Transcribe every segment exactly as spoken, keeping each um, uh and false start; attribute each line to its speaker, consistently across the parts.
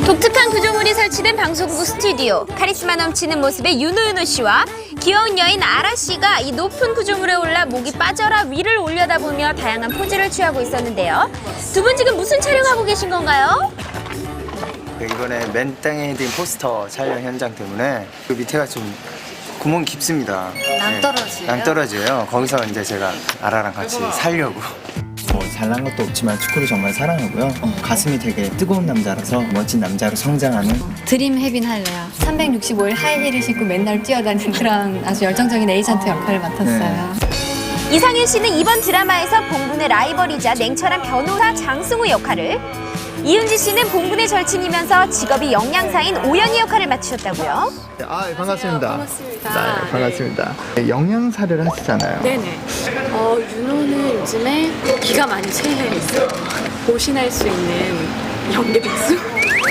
Speaker 1: 독특한 구조물이 설치된 방송국 스튜디오. 카리스마 넘치는 모습의 윤호윤호 씨와 귀여운 여인 아라 씨가 이 높은 구조물에 올라 목이 빠져라 위를 올려다보며 다양한 포즈를 취하고 있었는데요. 두 분 지금 무슨 촬영하고 계신 건가요?
Speaker 2: 이번에 맨 땅에 헤딩 포스터 촬영 현장 때문에 그 밑에가 좀 구멍이 깊습니다.
Speaker 1: 낭떠러지예요?
Speaker 2: 네, 낭떠러지예요. 거기서 이제 제가 아라랑 같이 살려고. 뭐 잘난 것도 없지만 축구를 정말 사랑하고요.
Speaker 1: 어.
Speaker 2: 가슴이 되게 뜨거운 남자라서 멋진 남자로 성장하는.
Speaker 3: 드림 헤빈 할래요. 삼백육십오 일 하이힐을 신고 맨날 뛰어다니는 그런 아주 열정적인 에이전트 역할을 맡았어요.
Speaker 1: 이상윤 씨는 이번 드라마에서 봉분의 라이벌이자 냉철한 변호사 장승우 역할을, 이은지 씨는 봉분의 절친이면서 직업이 영양사인 오연희 역할을 맡으셨다고요?
Speaker 4: 아, 반갑습니다. 반갑습니다. 네, 반갑습니다. 영양사를 하시잖아요.
Speaker 5: 네네. 어, 윤호는 요즘에 기가 많이 체해 있어요. 보신할 수 있는 연계백수?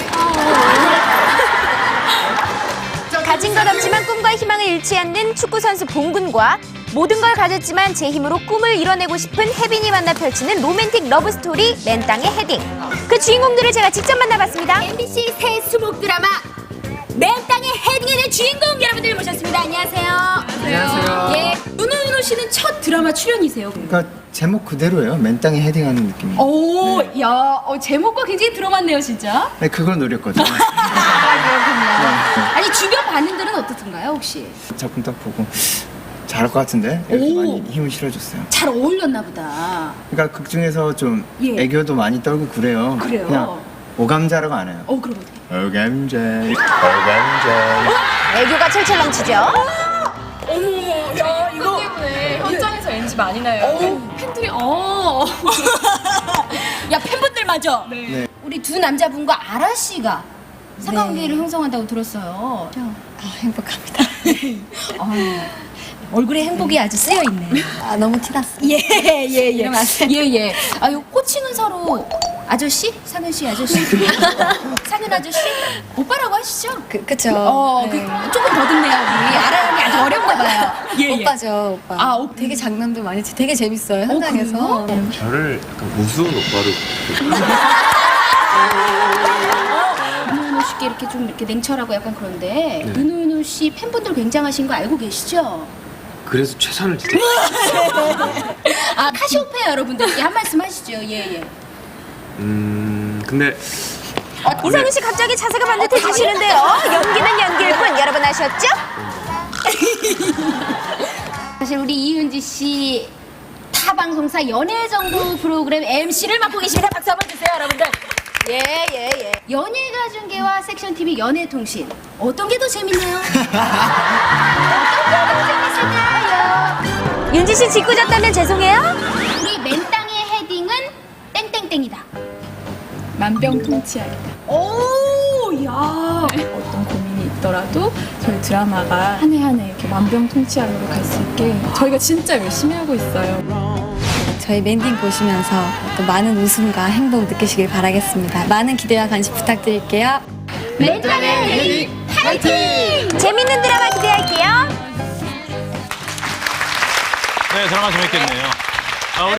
Speaker 1: 가진 것 없지만 꿈과 희망을 잃지 않는 축구선수 봉군과 모든 걸 가졌지만 제 힘으로 꿈을 이뤄내고 싶은 혜빈이 만나 펼치는 로맨틱 러브스토리 맨 땅의 헤딩. 그 주인공들을 제가 직접 만나봤습니다.
Speaker 6: 엠비씨 새 수목 드라마 맨 땅의 헤딩에 대한 주인공 여러분들 모셨습니다. 안녕하세요.
Speaker 2: 안녕하세요.
Speaker 6: 예, 윤호윤호 씨는 첫 드라마 출연이세요.
Speaker 2: 그러니까 제목 그대로예요. 맨 땅에 헤딩하는 느낌.
Speaker 6: 오, 야, 어, 제목과 굉장히 들어맞네요, 진짜.
Speaker 2: 네, 그걸 노렸거든요.
Speaker 6: 아, 그렇군요. 아니 주변 반응들은 어떻던가요, 혹시?
Speaker 2: 작품 딱 보고 잘할 것 같은데 이렇게
Speaker 6: 오.
Speaker 2: 많이 힘을 실어줬어요.
Speaker 6: 잘 어울렸나 보다.
Speaker 2: 그러니까 극 중에서 좀
Speaker 6: 예.
Speaker 2: 애교도 많이 떨고 그래요.
Speaker 6: 그래요?
Speaker 2: 그냥 오감자라고 안 해요.
Speaker 6: 어, 그럼 어떻게?
Speaker 2: 오감자, 오감자.
Speaker 1: 애교가 철철 넘치죠.
Speaker 5: 어머, 야, 이거 때문에 현장에서 엔지 많이 나요. 팬들이, 어.
Speaker 6: 야, 팬분들마저.
Speaker 2: 네.
Speaker 6: 우리 두 남자분과 아라 씨가 삼각관계를 형성한다고 들었어요.
Speaker 3: 아, 행복합니다.
Speaker 6: 얼굴에 행복이 아주 쓰여 있네.
Speaker 3: 아, 너무 티났어.
Speaker 6: 예, 예, 예.
Speaker 3: 이러면 안 돼.
Speaker 6: 예, 예. 아, 요 호칭은 서로 아저씨? 상윤 씨 아저씨? 상윤 아저씨? 오빠라고 하시죠?
Speaker 3: 그, 그쵸.
Speaker 6: 어,
Speaker 3: 네.
Speaker 6: 그, 조금 더듬네요. 우리 아라 형이 아주 어렵나 봐요. 예, 예.
Speaker 3: 오빠죠, 오빠.
Speaker 6: 아, 오-
Speaker 3: 되게 장난도 많이 치, 되게 재밌어요, 현장에서. 네.
Speaker 7: 저를 약간 우스운 오빠로
Speaker 6: 윤호윤호 씨께 이렇게 좀 이렇게 냉철하고 약간 그런데 윤호윤호 씨 팬분들 굉장하신 거 알고 계시죠?
Speaker 7: 그래서 최선을 다해.
Speaker 6: 아, 카시오페아 여러분들께 한 말씀 하시죠. 예, 예.
Speaker 7: 음 근데
Speaker 1: 이상윤 씨 갑자기 자세가 반듯해지시는데요. 연기는 연기일 뿐 여러분 아셨죠?
Speaker 6: 사실 우리 이은지 씨 타방송사 연예정보 프로그램 엠씨를 맡고 계십니다. 박수 한번 주세요, 여러분들. 예, 예, 예. 연예가 중계와 섹션 티비 연예통신 어떤 게 더 재밌나요? 어떤 게 더 재밌을까요?
Speaker 1: 윤지 씨 짓궂었다면 죄송해요.
Speaker 6: 우리 맨 땅의 헤딩은 땡땡땡이다.
Speaker 5: 만병통치약이다.
Speaker 6: 오, 야.
Speaker 5: 어떤 고민이 있더라도 저희 드라마가 한 해 한 해 이렇게 만병통치약으로 갈 수 있게 저희가 진짜 열심히 하고 있어요.
Speaker 3: 저희 랜딩 보시면서 또 많은 웃음과 행복 느끼시길 바라겠습니다. 많은 기대와 관심 부탁드릴게요.
Speaker 6: 맨 땅의 헤딩 파이팅!
Speaker 1: 재밌는 드라마 기대할게요.
Speaker 8: 네, 드라마 재밌겠네요.